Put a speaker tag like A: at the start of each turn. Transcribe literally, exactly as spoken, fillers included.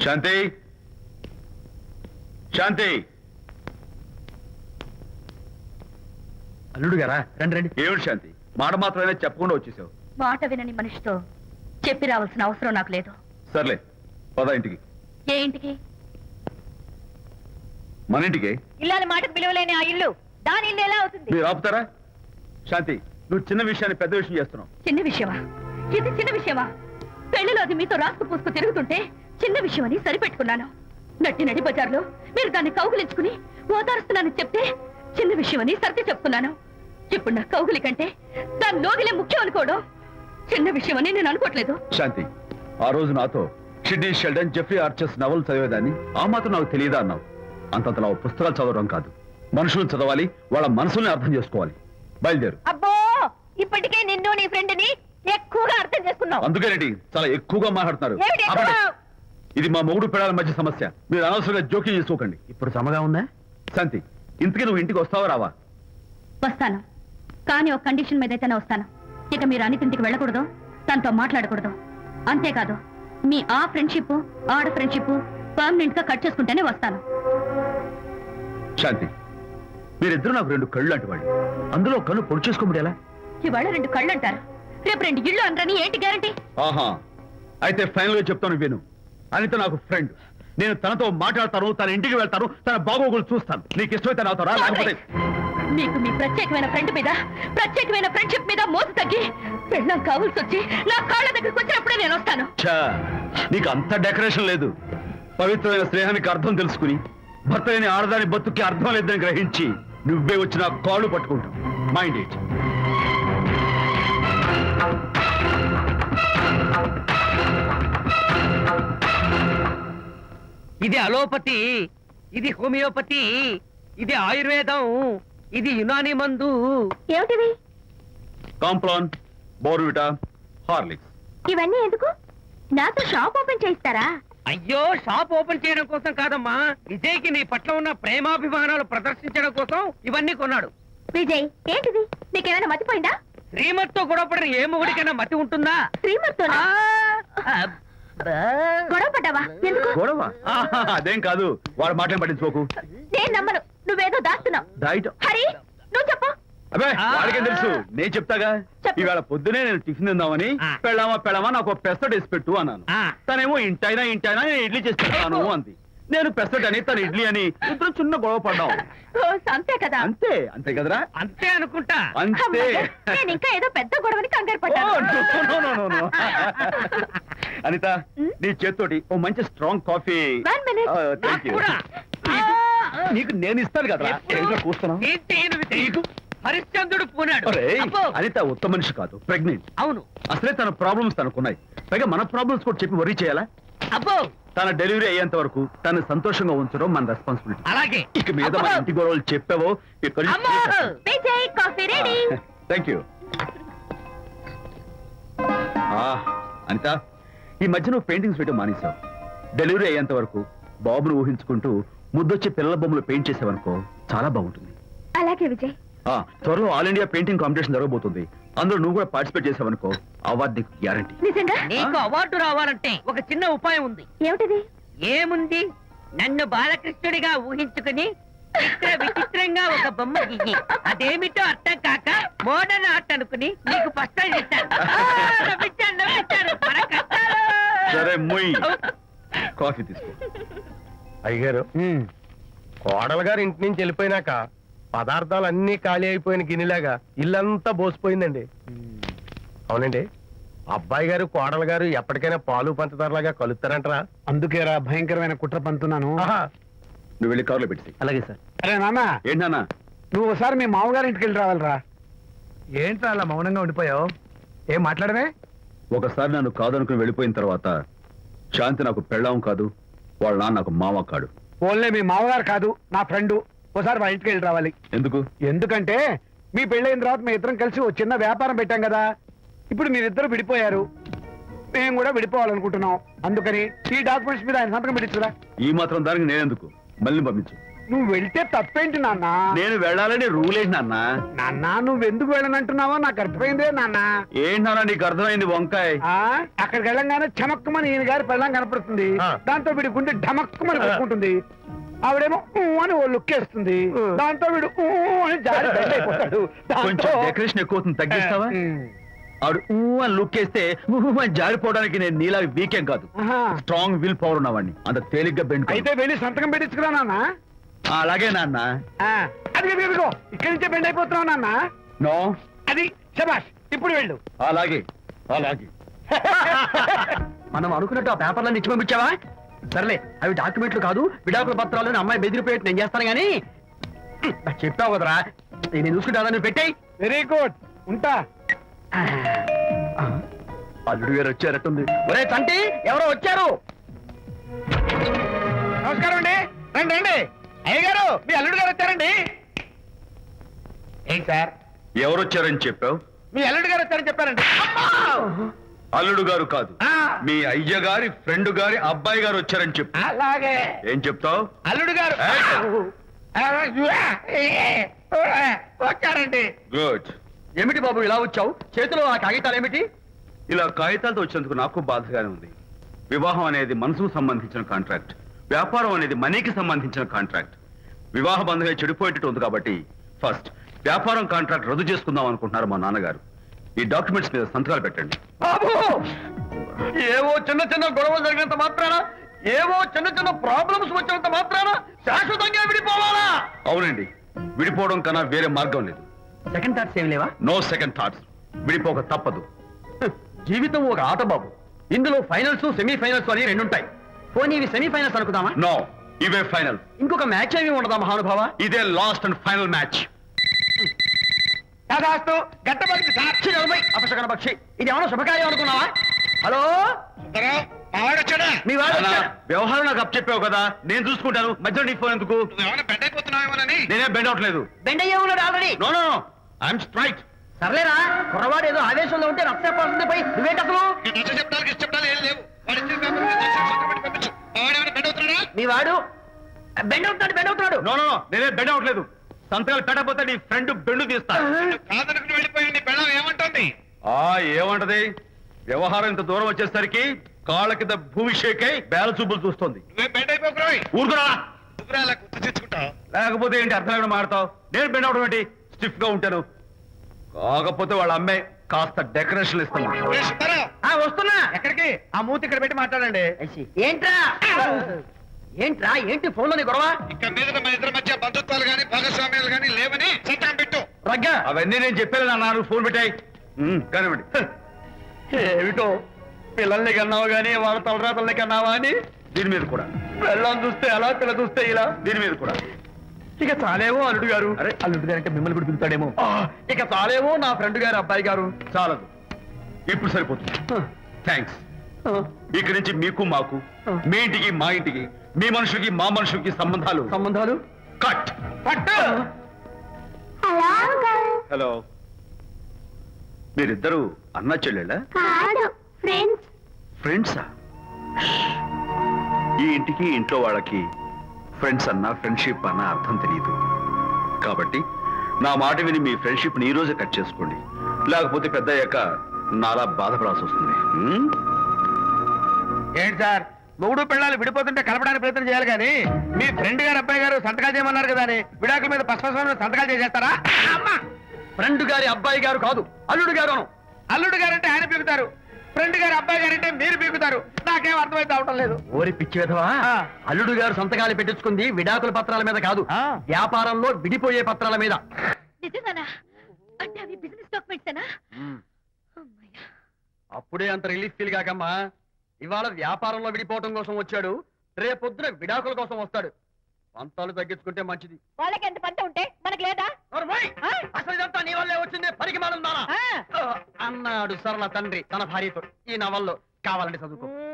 A: శాంతి శాంతి
B: అల్లుడు గారా రండి రండి.
A: ఏమిటి శాంతి, మాట మాత్రమే చెప్పకుండా వచ్చేసావు?
C: మాట వినని మనిషితో చెప్పి రావాల్సిన అవసరం నాకు లేదు.
A: సర్లే పద ఇంటికి.
C: ఏ ఇంటికి?
A: మన ఇంటికి.
C: ఇల్లాలి మాటకు విలువలేని ఆ ఇల్లు దాని ఇల్లు ఎలా అవుతుంది?
A: మీరు ఆపుతారా? శాంతి, నువ్వు చిన్న విషయాన్ని పెద్ద విషయం చేస్తున్నావు.
C: చిన్న విషయమా? ఇది చిన్న విషయమా? పెళ్లిలో అది మీతో రాసుకు పూసుకు తిరుగుతుంటే చిన్న విషయం అని సరిపెట్టుకున్నాను. నట్టి నడి బజార్లో మీరు దాన్ని కౌగులించుకుని ఓదారుస్తున్నానని చెప్తే చిన్న విషయం అని సర్ది చెప్తున్నాను. ఇప్పుడు నా కౌగులి కంటే దాని లోగిలే ముఖ్యం అనుకోవడం చిన్న విషయం అని నేను అనుకోవట్లేదు.
A: శాంతి, ఆ రోజు నాతో Sidney Sheldon, Jeffrey Archer's novel చదివేదాన్ని ఆ మాత్రం నాకు తెలియదా అన్నావు. అంతంతలా పుస్తకాలు చదవడం కాదు, మనుషులను చదవాలి, వాళ్ళ మనసుల్ని అర్థం చేసుకోవాలి. బయలుదేరు.
C: అబ్బో, ఇప్పటికే నిన్ను నీ ఫ్రెండ్ ని ఎక్కువగా అర్థం చేసుకున్నావు.
A: అందుకేనండి చాలా ఎక్కువగా మాట్లాడుతున్నారు.
C: ఏమిటి ఎక్కువ?
A: ఆపండి. ఇది మా మొగుడు పిల్లల మధ్య సమస్య, మీరు అనవసరంగా జోక్యం చేసుకోకండి.
B: ఇప్పుడు సమగా ఉందా?
A: శాంతి, ఇంతకీ నువ్వు ఇంటికి వస్తావా రావా?
C: వస్తాను, కానీ ఒక కండిషన్ మీద అయితేనే వస్తాను. ఇక మీరు అనితింటికి వెళ్ళకూడదు, తనతో మాట్లాడకూడదు. అంతేకాదు, మీ ఆ ఫ్రెండ్షిప్ ఆడ ఫ్రెండ్షిప్ పర్మనెంట్ గా కట్ చేసుకుంటేనే వస్తాను.
A: శాంతి, మీరిద్దరు నాకు రెండు కళ్ళు లాంటి వాళ్ళు, అందులో కళ్ళు పొడి చేసుకోమడి ఎలా?
C: ఇవాళ రెండు కళ్ళు అంటారు, రేపు రెండు ఇళ్ళు అంటారని ఏంటి గ్యారంటీ?
A: ఆహా, అయితే ఫైనల్ గా చెప్తాను విను. అనిత నాకు ఫ్రెండ్, నేను తనతో మాట్లాడతాను, తన ఇంటికి వెళ్తాను, తన బాగోగులు చూస్తాను. నీకు ఇష్టమైతే నాతో రా, లేకపోతే
C: మీకు మీ ప్రత్యేకమైన ఫ్రెండ్ మీద ప్రత్యేకమైన ఫ్రెండ్షిప్ మీద మోసు తగ్గి పెళ్ళం కావాల్సి వచ్చి నా కాళ్ళ దగ్గరికి వచ్చినప్పుడే నేను వస్తాను.
A: ఛా, నీకు అంత డెకరేషన్ లేదు. పవిత్రమైన స్నేహానికి అర్థం తెలుసుకుని భర్త లేని ఆడదాని బతుక్కి అర్థం లేదని గ్రహించి నువ్వే వచ్చి నా కాళ్ళు పట్టుకుంటావు. Mind it.
D: ఇది అలోపతి, ఇది హోమియోపతి, ఇది ఆయుర్వేదం, ఇది యునాని మందు.
C: ఏమిటివి?
A: Complan, Bournvita, Horlicks.
C: ఇవన్నీ ఎందుకు? నాతో షాప్ ఓపెన్ చేయిస్తారా?
D: అయ్యో, షాప్ ఓపెన్ చేయడం కోసం కాదమ్మా, విజయ్కి నీ పట్ల ఉన్న ప్రేమాభిమానాలు ప్రదర్శించడం కోసం ఇవన్నీ కొన్నాడు.
C: విజయ్, ఏంటిది? నీకేమైనా మతిపోయిందా?
D: శ్రీమతితో గొడవపడిన ఏ మొగుడికైనా మతి ఉంటుందా?
C: శ్రీమతితో
D: ఆ, అబ్బా.
C: గొడవ పడ్డావా? ఎందుకు?
A: గొడవ? ఆహా, అదేం కాదు, వాడు మాటలు పట్టించుకోకు.
C: నేను నమ్మను, నువ్వేదో దాస్తున్నావు.
A: డైట్.
C: హరి, నువ్వు చెప్పు.
A: అబ్బే, వాడికేం తెలుసు, నేను చెప్తాగా.
C: చెప్పు.
A: ఇవాళ పొద్దునే నేను టిఫిన్ తిందామని
D: ఆ.
A: పెళ్ళామా పెళ్ళామా నాకు పెసట్ వేసి పెట్టు అన్నాను.
D: ఆ.
A: తనేమో ఇంటైనా ఇంటైనా నేను ఇడ్లీ చేసి పెడతాను అంది. నేను పెసట్ అని తను ఇడ్లీ అని ఇద్దరు చిన్న గొడవ పడ్డాం.
C: ఓ, అంతే కదా?
A: అంతే అంతే కదరా?
D: అంతే అనుకుంటా.
A: అంతే.
C: అమ్మయ్య, నేను ఇంకా ఏదో పెద్ద గొడవని కంగారు
A: ఓ,
C: పడ్డాను.
A: no, no, no, no, no. Anitha, నీ చేత్తోటి ఓ మంచి strong coffee.
C: One minute.
A: Thank you.
D: కూడా.
A: నీకు నేను ఇస్తాను కదా.
D: ఎప్పుడు? ఏంటి ఈయన విజయ్? హరిశ్చంద్రుడు పూనాడు. అబ్బో.
A: అనిత ఉత్తమ మనిషి కాదు, ప్రెగ్నెంట్.
D: అవును.
A: అసలే తన ప్రాబ్లమ్స్ తనకున్నాయి, పైగా మన ప్రాబ్లమ్స్ కూడా చెప్పి వరీ చేయాలా?
D: అబ్బో,
A: తన డెలివరీ అయ్యేంత వరకు తను సంతోషంగా ఉంచడం మన రెస్పాన్సిబిలిటీ.
D: అలాగే.
A: ఇక మీద మన ఇంటి గొడవలు చెప్పావో ఇక్కడ.
D: అమ్మో.
C: Vijay, coffee ready.
A: Thank you. Anitha, ఈ మధ్య నువ్వు పెయింటింగ్స్ వేయడం మానేశావు. డెలివరీ అయ్యేంత వరకు బాబును ఊహించుకుంటూ ముద్దొచ్చి పిల్లల బొమ్మలు పెయింట్ చేసావనుకో, చాలా బాగుంటుంది.
C: అలాగే విజయ్.
A: ఆ, త్వరలో ఆల్ ఇండియా పెయింటింగ్ కాంపిటీషన్ జరగబోతుంది. అందులో నువ్వు కూడా పార్టిసిపేట్ చేసావనుకో, అవార్డు నీకు గ్యారంటీ.
C: నిజంగా?
D: నీకు అవార్డు రావాలంటే ఒక చిన్న ఉపాయం ఉంది.
C: ఏమిటిది?
D: ఏముంది, నన్ను బాలకృష్ణుడిగా ఊహించుకుని చిత్ర విచిత్రంగా ఒక బొమ్మ గీయి. అదేమిటో అర్థం కాక మోడర్న్ ఆర్ట్ అనుకుని నీకు పస్తాలు చేశాను. ఆ, నవ్వించాను, నవ్వించాను. మన కష్టాలు.
A: సరే మొయ్, కాఫీ తీసుకో.
E: అయ్యగారు, కోడలు గారు ఇంటి నుంచి వెళ్ళిపోయినాక పదార్థాలు అన్ని ఖాళీ అయిపోయిన గిన్నెలాగా ఇల్లంతా బోసిపోయిందండి. అవునండి, అబ్బాయి గారు కోడలు గారు ఎప్పటికైనా పాలు పంచదారలాగా కలుస్తారంటరా?
B: అందుకేరా భయంకరమైన కుట్ర పంతున్నాను.
E: ఆహా,
A: నువ్వు వెళ్ళి కారులో పెట్టి.
B: అలాగే సార్. అరే నాన్న,
A: ఏంటన్నా?
B: నువ్వు ఒకసారి మీ మామగారి ఇంటికి వెళ్ళి రావాలిరా.
E: ఏంట్రా అలా మౌనంగా ఉండిపోయావు? ఏం మాట్లాడమే?
A: ఒకసారి నన్ను కాదనుకుని వెళ్ళిపోయిన తర్వాత శాంతి నాకు పెళ్ళాం కాదు, వాళ్ళ నాన్న నాకు మామ కాడు.
B: ఓన్లే మీ మామగారు కాదు, నా ఫ్రెండ్. ఒకసారి వాళ్ళ ఇంటికి వెళ్ళి రావాలి.
A: ఎందుకు?
B: ఎందుకంటే మీ పెళ్ళైన తర్వాత మీ ఇద్దరం కలిసి ఓ చిన్న వ్యాపారం పెట్టాం కదా. ఇప్పుడు మీరిద్దరు విడిపోయారు, మేము కూడా విడిపోవాలనుకుంటున్నాం. అందుకని ఈ డాక్యుమెంట్స్ మీద ఆయన సంతకం పెట్టించురా.
A: ఈ మాత్రం దానికి నేనెందుకు? మళ్ళీ పంపించు.
B: నువ్వు వెళ్తే తప్పేంటి నాన్న
A: నేను వెళ్ళాలని రూల్ ఏంటి నాన్న?
B: నాన్న నువ్వెందుకు వెళ్ళనంటున్నావో నాకు అర్థమైందే నాన్న
A: ఏంటి నాన్న నీకు అర్థమైంది వంకాయ్?
B: ఆ అక్కడికి వెళ్ళంగానే చమక్కుమని ఈయన గారి పెళ్ళం కనపడుతుంది.
E: ఆ.
B: దాంతో వీడి గుండె ఢమక్కుమని కొట్టుకుంటుంది. ఆవిడేమో ఊ అని ఓ లుక్ వేస్తుంది. దాంతో వీడు ఊ అని జారి బెడ్ అయిపోతాడు.
A: కొంచెం
B: దాంతో-
A: డెకరేషన్ ఎక్కువ అవుతుంది, తగ్గిస్తావా?
B: ఉమ్.
A: ఆవిడ ఊ అని లుక్ వేస్తే ఊ అని జారిపోవడానికి నేను నీలా వీకేం కాదు,
B: ఆహా.
A: స్ట్రాంగ్ విల్ పవర్ ఉన్నవాడిని. అంత తేలిగ్గా బెండ్
B: అయితే వెళ్ళి సంతకం పెట్టించుకురా నాన్న.
A: అలాగే నాన్న.
B: ఆ, అది అది అదిగో ఇక్కడి నుంచే బెండ్ అయిపోతున్నావు నాన్న.
A: నో,
B: అది శబాష్, ఇప్పుడు వెళ్ళు.
A: అలాగే అలాగే.
F: మనం అనుకున్నట్టు ఆ పేపర్లను ఇచ్చి పంపించావా? సర్లే, అవి డాక్యుమెంట్లు కాదు, విడాకుల పత్రాలు. అమ్మాయి బెదిరిపోయేట్టు నేను చేస్తాను గానీ నాకు చెప్పావు కదరా, నేను చూసుకుంటా. నువ్వు పెట్టాయి.
B: వెరీ గుడ్, ఉంటా.
F: అల్లుడు గారు వచ్చారట్టుంది. ఒరే తంటి, ఎవరో వచ్చారు.
B: నమస్కారం అండి. రండి రండి. అయ్య గారు, మీ అల్లుడు గారు వచ్చారండి. ఏంటి సార్,
A: ఎవరు వచ్చారని చెప్పావు?
B: మీ అల్లుడు గారు వచ్చారని చెప్పారండి.
A: అల్లుడు గారు కాదు,
B: ఆ,
A: మీ అయ్య గారి ఫ్రెండ్ గారి అబ్బాయి గారు వచ్చారని చెప్పు.
B: అలాగే
A: ఏం చెప్తావు?
B: అల్లుడు గారు వచ్చారండి.
A: గుడ్.
F: ఏమిటి బాబు ఇలా వచ్చావు? చేతిలో ఆ కాగితాలు ఏమిటి?
A: ఇలా కాగితాలతో వచ్చినందుకు నాకు బాధగానే ఉంది. వివాహం అనేది మనసుకు సంబంధించిన కాంట్రాక్ట్, వ్యాపారం అనేది మనీకి సంబంధించిన కాంట్రాక్ట్. వివాహ బంధంగా చెడిపోయేటట్టు ఉంది కాబట్టి ఫస్ట్ వ్యాపారం కాంట్రాక్ట్ రద్దు చేసుకుందాం అనుకుంటున్నారు మా నాన్నగారు. ఈ డాక్యుమెంట్స్ మీద సంతకాలు పెట్టండి.
F: బాబు, ఏవో చిన్న చిన్న గొడవలు జరిగినంత మాత్రాన, ఏవో చిన్న చిన్న ప్రాబ్లమ్స్ వచ్చినంత మాత్రాన శాశ్వతంగా విడిపోవాలా?
A: అవునండి, విడిపోవడం కన్నా వేరే మార్గం లేదు.
F: సెకండ్ థాట్స్ ఏమి లేవా?
A: No second thoughts. విడిపోక తప్పదు.
F: జీవితం ఒక ఆట బాబు, ఇందులో ఫైనల్స్ సెమీ ఫైనల్స్ అని రెండు ఉంటాయి. పోనీ ఇవి సెమీ ఫైనల్స్ అనుకుందామా?
A: నో, ఇవే ఫైనల్.
F: ఇంకొక మ్యాచ్ ఏమి ఉండదా మహానుభావ?
A: ఇదే లాస్ట్ అండ్ ఫైనల్ మ్యాచ్.
B: దాదాస్తు గట్టబడింది సార్.
F: ఛీ, నలభై అపశకన పక్షి, ఇది ఏమైనా శుభకార్యం అనుకున్నావా? హలో,
B: మావాడు వచ్చాడా?
F: మీ వాడు
A: నాన్న,
F: వచ్చాడా?
A: వ్యవహారం నాకు అప్ చెప్పావు కదా, నేను చూసుకుంటాను. మధ్యలో నీ ఫోన్ ఎందుకు?
B: ఏమైనా బెడ్ అయిపోతున్నావేమోనని.
A: నేనే బెండ్ అవట్లేదు.
F: బెండ్ అయ్యే ఉన్నాడు already.
A: No no, I'm straight.
F: సర్లేరా, కుర్రవాడు ఏదో ఆవేశంలో ఉంటే రక్త పడుతుంది. పోయి నువ్వేంటి అసలు?
B: నచ్చ చెప్తానికి ఇష్టపడాలి ఏం లేవు. వాడు ఇచ్చిన పేపర్ మీద నచ్చ సంతకం పెట్టి పంపించు. మావాడు ఏమైనా బెడ్ అవుతున్నాడా?
F: మీ వాడు బెండ్ అవుతున్నాడు, బెండ్ అవుతున్నాడు.
A: నో నో, నేనే బెండ్ అవట్లేదు. సంతకాలు పెట్టకపోతే నీ ఫ్రెండ్ బెండు తీస్తా.
B: కాదనుకుని వెళ్ళిపోయి నీ పెళ్ళం ఏమంటుంది?
A: ఆ ఏమంటది? వ్యవహారం ఇంత దూరం వచ్చేసరికి కాళ్ళ కింద భూమి షేకై బేల చూపులు చూస్తుంది.
B: నువ్వే బెడ్ అయిపోకురాయి.
A: ఊరుకురా.
B: నువ్వురా అలా గుర్తు తెచ్చుకుంటావు.
A: లేకపోతే ఏంటి అర్థం లేకుండా మాడతావు? నేను బెండ్ అవడం ఏంటి? స్టిఫ్ గా ఉంటాను. కాకపోతే వాళ్ళ అమ్మాయి కాస్త డెకరేషన్ ఇస్తాను.
B: ఏ సుబ్బారావు,
F: ఆ, వస్తున్నా.
B: ఎక్కడికి? ఆ మూతి ఇక్కడ పెట్టి మాట్లాడండి.
F: ఏంట్రా ఏంట్రా ఏంటి ఫోన్ లోని గొడవ?
B: ఇక మీద మన ఇద్దరి మధ్య బంధుత్వాలు గాని భాగస్వామ్యాలు గాని లేవని సంతకం పెట్టు.
F: రగ్గా,
A: అవన్నీ నేను చెప్పాను అన్నారు. ఫోన్ పెట్టాయి కానివ్వండి.
F: ఏమిటో పిల్లల్ని కన్నావు గానీ వాళ్ళ తలరాతల్ని కన్నావా అని.
A: దీని మీద కూడా,
F: పిల్లల్ని చూస్తే అలా, పిల్ల చూస్తే ఇలా.
A: దీని మీద కూడా.
F: ఇక చాలేమో అల్లుడు గారు.
A: అరే,
F: అల్లుడు గారు అంటే మిమ్మల్ని కూడా పిలుతాడేమో. ఇక చాలేమో నా ఫ్రెండ్ గారు అబ్బాయి గారు.
A: చాలదు, ఇప్పుడు సరిపోతుంది. థ్యాంక్స్. ఇక్కడి నుంచి మీకు మాకు, మీ ఇంటికి మా ఇంటికి, మీ మనుషులకి మా మనుషులకి సంబంధాలు
F: సంబంధాలు
A: కట్.
B: పట్టు.
A: హలో, మీరిద్దరు అన్నా చెల్లెళ్ళా?
C: కాదు, ఫ్రెండ్స్.
A: ఫ్రెండ్సా? ఈ ఇంటికి ఇంట్లో వాళ్ళకి ఫ్రెండ్స్ అన్న ఫ్రెండ్షిప్ అన్న అర్థం తెలియదు. కాబట్టి నా మాట విని మీ ఫ్రెండ్షిప్ ని ఈ రోజే కట్ చేసుకోండి. లేకపోతే పెద్ద అయ్యాక నాలా బాధపడాల్సి వస్తుంది. హ్మ్?
B: ఏంటి సార్, మొగుడు పిల్లలు విడిపోతుంటే కలపడానికి ప్రయత్నం చేయాలి కానీ మీ ఫ్రెండ్ గారు అబ్బాయి గారు సంతకాలు చేయమన్నారు కదా అని విడాకుల మీద పశ్చిమ సంతకాలు చేసేస్తారా? అమ్మా,
F: ఫ్రెండ్ గారి అబ్బాయి గారు కాదు, అల్లుడు గారు అను.
B: అల్లుడు గారంటే ఆయన పీకుతారు, ఫ్రెండ్ గారు అబ్బాయి గారంటే మీరు పీకుతారు. నాకేం అర్థమైతే అవటం లేదు.
F: ఓరి పిచ్చి విధవా,
B: ఆ.
F: అల్లుడు గారు సంతకాలు పెట్టించుకుంది విడాకుల పత్రాల మీద కాదు,
B: ఆ.
F: వ్యాపారంలో విడిపోయే పత్రాల మీద.
C: నిజంగానా? అంటే అవి బిజినెస్ డాక్యుమెంట్సేనా? అమ్మయ్య.
F: అప్పుడే అంత రిలీఫ్ ఫీల్ కాకమ్మా. ఇవాళ వ్యాపారంలో విడిపోవటం కోసం వచ్చాడు, రేపొద్దున విడాకుల కోసం వస్తాడు. పంతాలు తగ్గించుకుంటే మంచిది.
C: వాళ్ళకి ఎంత పంట ఉంటే మనకు లేదా?
F: నోర్మోయ్!
C: ఆ?
F: అసలు ఇదంతా నీ వల్లే వచ్చింది, పనికి మానుందానా
C: ఆ.
F: అన్నాడు సరళ తండ్రి తన భార్యతో. ఈ నవల్లో కావాలంటే చదువుకో.